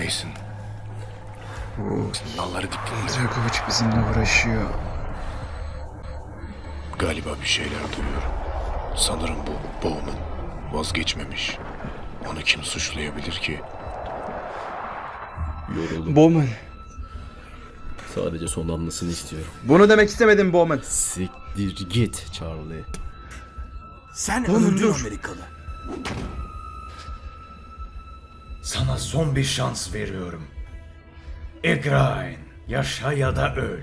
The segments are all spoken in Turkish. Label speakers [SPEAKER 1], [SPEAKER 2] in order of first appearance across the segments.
[SPEAKER 1] Mason. Sinyalları diktin mi?
[SPEAKER 2] Dragovic bizimle uğraşıyor.
[SPEAKER 1] Galiba bir şeyler duyuyorum. Sanırım bu Bowman vazgeçmemiş. Onu kim suçlayabilir ki?
[SPEAKER 3] Yoruldum.
[SPEAKER 2] Bowman.
[SPEAKER 3] Sadece son anlasını istiyorum.
[SPEAKER 2] Bunu demek istemedim Bowman.
[SPEAKER 3] Siktir git Charlie.
[SPEAKER 4] Sen
[SPEAKER 2] Oğlum,
[SPEAKER 4] öldün
[SPEAKER 2] dur.
[SPEAKER 4] Amerikalı.
[SPEAKER 5] Sana son bir şans veriyorum. Egrain, yaşa ya da öl.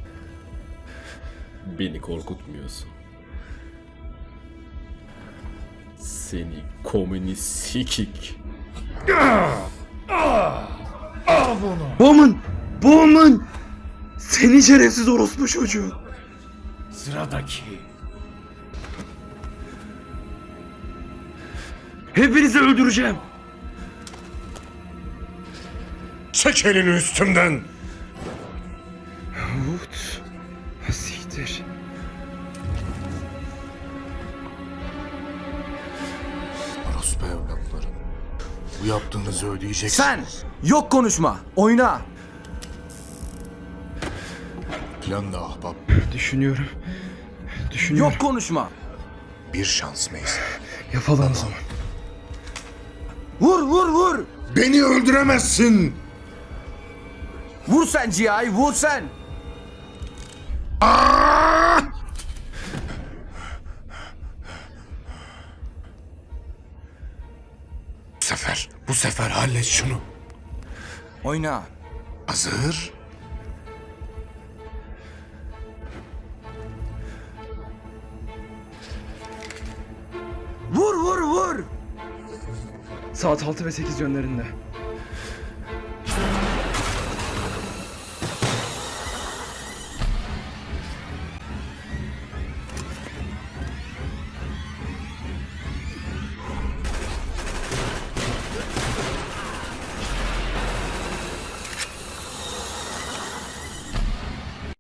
[SPEAKER 3] Beni korkutmuyorsun. Seni komünist sikik.
[SPEAKER 2] Bowman! Bowman! Seni şerefsiz orospu çocuğu.
[SPEAKER 5] Sıradaki.
[SPEAKER 2] Hepinizi öldüreceğim.
[SPEAKER 1] Çek elini üstümden!
[SPEAKER 2] Wood. Siktir.
[SPEAKER 1] Orospu evlatları. Bu yaptığınızı ödeyeceksiniz.
[SPEAKER 4] Sen yok konuşma. Oyna.
[SPEAKER 1] Plan da ahbap.
[SPEAKER 2] Düşünüyorum. Düşünüyorum.
[SPEAKER 4] Yok konuşma.
[SPEAKER 1] Bir şans Mason.
[SPEAKER 2] Yapalım o zaman.
[SPEAKER 4] Vur vur vur.
[SPEAKER 1] Beni öldüremezsin!
[SPEAKER 4] Vur sen G.I. vur sen.
[SPEAKER 1] Bu sefer hallet şunu.
[SPEAKER 4] Oyna.
[SPEAKER 1] Hazır.
[SPEAKER 4] Vur vur vur.
[SPEAKER 2] Saat 6 ve 8 yönlerinde.